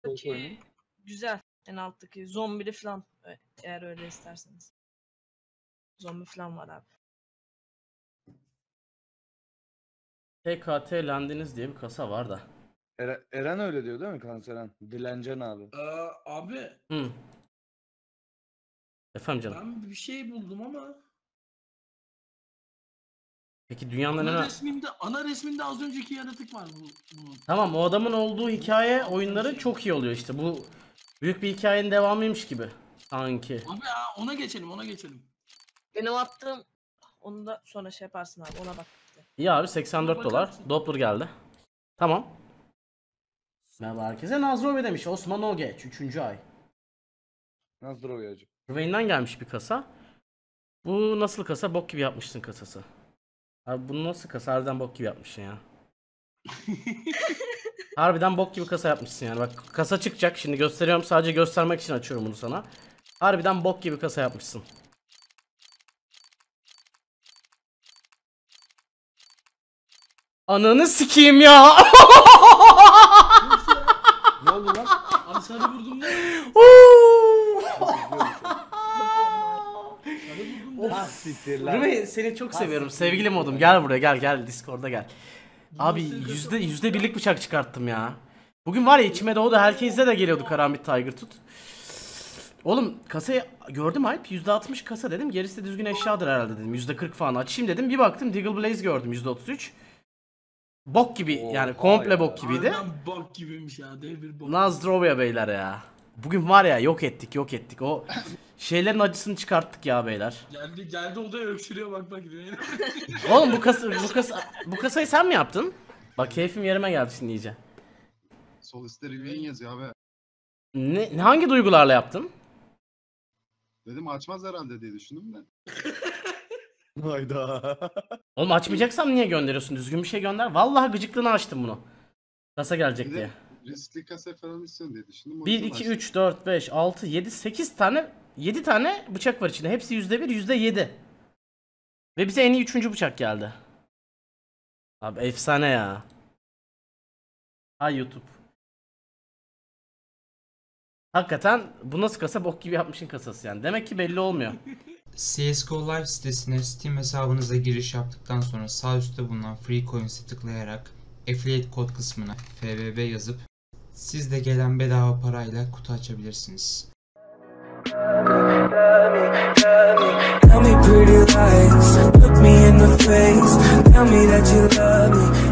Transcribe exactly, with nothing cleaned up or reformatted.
alttaki güzel. En alttaki zombili falan. Eğer öyle isterseniz. Zombi falan var abi. T K T Lendiniz diye bir kasa var da. Eren, Eren öyle diyor değil mi Kanseren? Dilencen abi. Ee, abi. Hı. Efendim canım. Ben bir şey buldum ama. Peki dünyanın Ana en... resminde, ana resminde az önceki yaratık var bu, bunun. Tamam, o adamın olduğu hikaye oyunları çok iyi oluyor işte. Bu büyük bir hikayenin devamıymış gibi sanki. Abi ya ona geçelim, ona geçelim. Benim attığım onu da sonra şey yaparsın abi, ona bak. İyi abi, seksen dört dolar. Doppler geldi. Tamam. Merhaba herkese. Nazrobe demiş. Osman Ogeç. üçüncü ay. Nazrobe hacı. Rüveyn'den gelmiş bir kasa. Bu nasıl kasa? Bok gibi yapmışsın kasası. Abi bunu nasıl kasa? Harbiden bok gibi yapmışsın ya. Harbiden bok gibi kasa yapmışsın yani. Bak kasa çıkacak. Şimdi gösteriyorum. Sadece göstermek için açıyorum bunu sana. Harbiden bok gibi kasa yapmışsın. Ananı sikeyim ya. Ne oldu lan? Abi sana vurdum ne? Rüme, seni çok seviyorum. Sevgilim oldum. Gel buraya, gel gel Discord'a gel. Abi yüzde yüzde birlik bıçak çıkarttım ya. Bugün var ya içime doğdu. Herkeste de geliyordu Karambit Tiger tut. Oğlum kasayı gördüm Alp. yüzde altmış kasa dedim. Gerisi de düzgün eşyadır herhalde dedim. yüzde kırk falan açayım dedim. Bir baktım Deagle Blaze gördüm yüzde otuz üç. Bok gibi Oha yani komple ya. bok gibiydi. Harbiden bok gibiymiş ya, dev bir bok. Nazdrovya beyler ya. Bugün var ya yok ettik yok ettik. O şeylerin acısını çıkarttık ya beyler. Geldi geldi odaya öksürüyor, bak bak. Oğlum bu kasa bu kasa bu kasayı sen mi yaptın? Bak keyfim yerime geldi şimdi iyice. Sol üstte Rivian yazıyor abi. Ne, ne hangi duygularla yaptın? Dedim açmaz herhalde diye düşündüm de. Hayda. Oğlum açmayacaksam niye gönderiyorsun? Düzgün bir şey gönder. Vallahi gıcıklığına açtım bunu. Kasa gelecek Bir de diye. riskli kasa falan istiyorsun diye düşündüm. O bir, yüzden iki, açtım. üç, dört, beş, altı, yedi, sekiz tane yedi tane bıçak var içinde. Hepsi yüzde bir, yüzde yedi. Ve bize en iyi üçüncü bıçak geldi. Abi efsane ya. Hay YouTube. Hakikaten bu nasıl kasa, bok gibi yapmışın kasası yani. Demek ki belli olmuyor. C S G O Live sitesine Steam hesabınıza giriş yaptıktan sonra sağ üstte bulunan Free Coins'e tıklayarak Affiliate kod kısmına F B B yazıp siz de gelen bedava parayla kutu açabilirsiniz. Tell me pretty lies, look me in the face, tell me that you love me.